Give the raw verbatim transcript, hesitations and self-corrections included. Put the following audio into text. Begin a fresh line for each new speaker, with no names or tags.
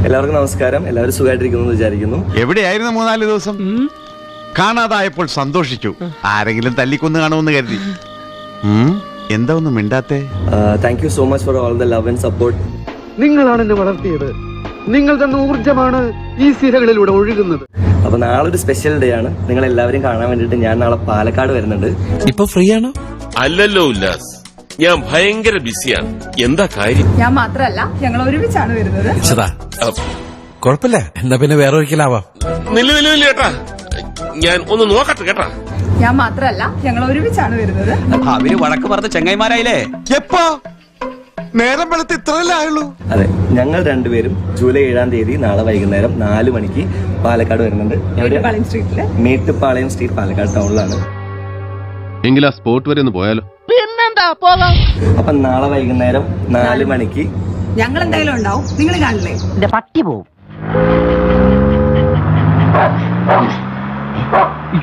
എല്ലാവർക്കും നമസ്കാരം. എല്ലാവരും സുഖമായിട്ടിരിക്കുന്നു വിചാരിക്കുന്നു.
എവിടെയായിരുന്നു മൂന്നാല് ദിവസം? കാണാതായപ്പോൾ സന്തോഷിച്ചു. ആരെങ്കിലും തല്ലിക്കൊന്ന് കാണുമെന്ന് കരുതി. എന്താ ഒന്നും മിണ്ടാത്തേ?
Thank you so much for all the love and support.
നിങ്ങളാണ് എന്നെ വളർത്തിയത്. നിങ്ങൾ തന്ന ഊർജ്ജമാണ് ഈ സിരകളിലൂടെ ഒഴുകുന്നത്.
അപ്പൊ നാളെ ഒരു സ്പെഷ്യൽ ഡേ ആണ്. നിങ്ങൾ എല്ലാവരും കാണാൻ വേണ്ടിട്ട് ഞാൻ നാളെ പാലക്കാട് വരുന്നുണ്ട്.
ഇപ്പൊ ഫ്രീ ആണോ?
അല്ലല്ലോ ഉല്ലാസ്, ഞാൻ ഭയങ്കര ബിസിയാണ്. എന്താ കാര്യം?
ഞാൻ മാത്രല്ല, ഞങ്ങൾ ഒരുമിച്ചാണ് വരുന്നത്.
കൊഴപ്പില്ല, എന്നാ പിന്നെ വേറെ ഒരിക്കലാവാം.
നില്ല നില്ല നില്ല കേട്ടാ, ഞാൻ ഒന്ന് നോക്കട്ടെ കേട്ടാ.
ഞാൻ മാത്രല്ല, ഞങ്ങൾ ഒരുമിച്ചാണ് വരുന്നത്.
അവര് വഴക്ക് പറഞ്ഞ ചെങ്ങായിമാരായില്ലേ?
എപ്പോ? നേരം വെളുത്ത് ഇത്രയല്ലേ ആയുള്ളൂ?
അതെ, ഞങ്ങൾ രണ്ടുപേരും ജൂലൈ ഏഴാം തീയതി നാളെ വൈകുന്നേരം നാല് മണിക്ക് പാലക്കാട് വരുന്നുണ്ട്.
മേട്ടുപ്പാളയം സ്ട്രീറ്റില്.
മേട്ടുപ്പാളയം സ്ട്രീറ്റ്, പാലക്കാട് ടൗണിലാണ്.
എങ്കിൽ ആ സ്പോട്ട് വരെ ഒന്ന് പോയാലോ?
അപ്പൊ നാളെ വൈകുന്നേരം നാല് മണിക്ക്
ഞങ്ങൾ എന്തായാലും ഉണ്ടാവും. നിങ്ങൾ കാണില്ലേ?
പട്ടി പോവും.